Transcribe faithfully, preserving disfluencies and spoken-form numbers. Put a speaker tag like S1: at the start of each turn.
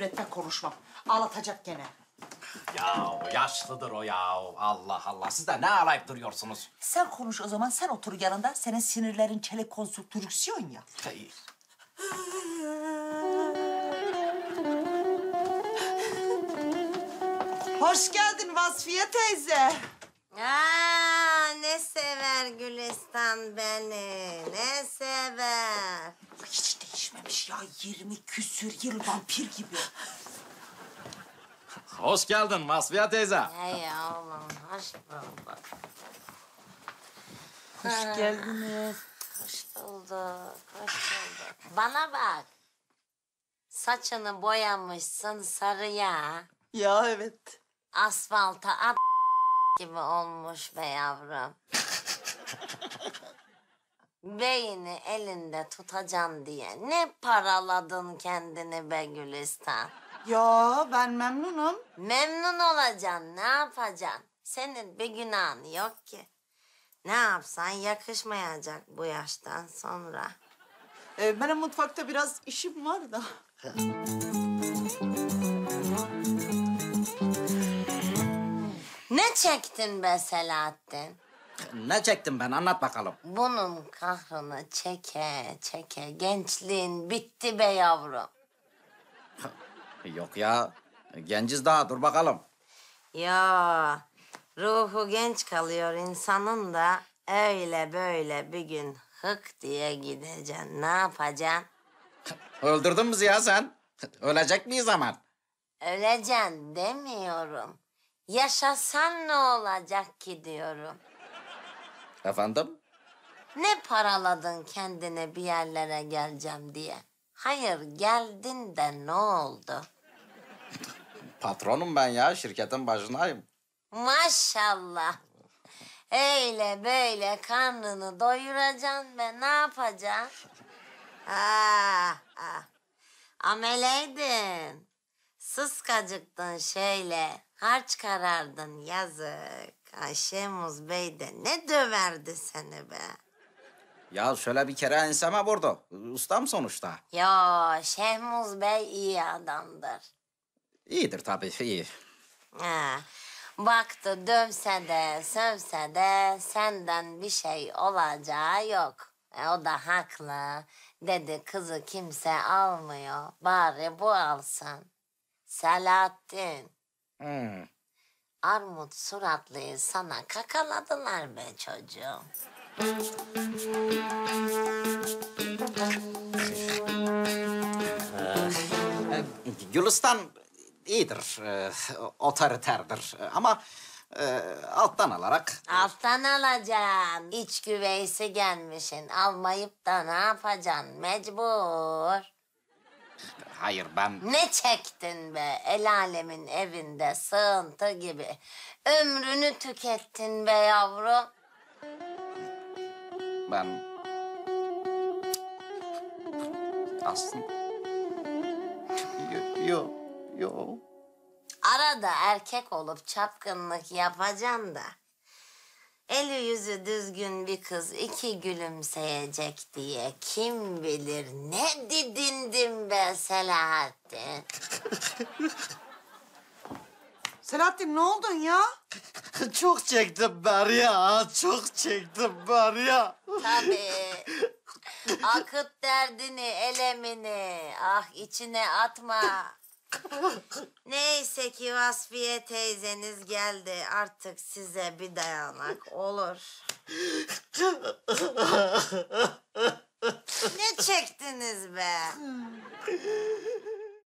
S1: üretme konuşmam. Ağlatacak gene.
S2: Ya yaşlıdır o ya. Allah Allah. Siz de ne ağlayıp duruyorsunuz?
S1: Sen konuş o zaman, sen otur yanında. Senin sinirlerin çelik konstrüksiyon ya.
S2: Hey.
S1: Hoş geldin Vasfiye teyze.
S3: Aa, ne sever Gülistan beni, ne sever.
S1: Hiç değişmemiş ya, yirmi küsür yıl vampir gibi.
S2: Hoş geldin Vasfiye teyze.
S3: Hey oğlum, hoş bulduk.
S1: Hoş geldiniz.
S3: Hoş bulduk, hoş bulduk. Bana bak. Saçını boyamışsın sarıya.
S1: Ya evet.
S3: Asfalta at gibi olmuş be yavrum. Beyni elinde tutacaksın diye ne paraladın kendini be Gülistan.
S1: Ya ben memnunum.
S3: Memnun olacaksın, ne yapacaksın? Senin bir günahın yok ki. Ne yapsan yakışmayacak bu yaştan sonra.
S1: Ee, benim mutfakta biraz işim var da.
S3: Ne çektin be Selahattin?
S2: Ne çektim ben? Anlat bakalım.
S3: Bunun kahrını çeke çeke gençliğin bitti be yavrum.
S2: Yok ya. Genciz daha. Dur bakalım.
S3: Ya ruhu genç kalıyor insanın da öyle böyle bir gün hık diye gideceksin. Ne yapacaksın?
S2: Öldürdün bizi ya sen. Ölecek miyiz zaman?
S3: Öleceksin demiyorum. Yaşasan ne olacak ki diyorum.
S2: Efendim?
S3: Ne paraladın kendine bir yerlere geleceğim diye. Hayır geldin de ne oldu?
S2: Patronum ben ya. Şirketin başındayım.
S3: Maşallah. Öyle böyle karnını doyuracaksın ve ne yapacaksın? Ah, ah. Ameleydin. Sıskacıktın şöyle. Harç karardın yazık. Ay Şemuz Bey de ne döverdi seni be.
S2: Ya şöyle bir kere enseme vurdu. Ustam sonuçta.
S3: Yo Şehmuz Bey iyi adamdır.
S2: İyidir tabii, iyi.
S3: Ha, baktı dövse de sövse de senden bir şey olacağı yok. E, o da haklı. Dedi kızı kimse almıyor. Bari bu alsın. Selahattin.
S2: Hmm.
S3: Armut suratlıyı sana kakaladılar be çocuğum.
S2: Ee, Gülistan iyidir, e, otoriterdir ama e, alttan alarak...
S3: Alttan alacaksın. İç güveysi gelmişsin. Almayıp da ne yapacaksın? Mecbur.
S2: Hayır ben...
S3: Ne çektin be? El alemin evinde sığıntı gibi. Ömrünü tükettin be yavrum.
S2: Ben... Aslında... Yok, yok.
S3: Arada erkek olup çapkınlık yapacaksın da. Eli yüzü düzgün bir kız iki gülümseyecek diye kim bilir ne didindim be Selahattin.
S1: Selahattin ne oldun ya?
S4: Çok çektim ben ya, çok çektim ben ya.
S3: Tabii. Akıt derdini, elemini. Ah içine atma. Neyse ki Vasfiye teyzeniz geldi. Artık size bir dayanak olur. Ne çektiniz be?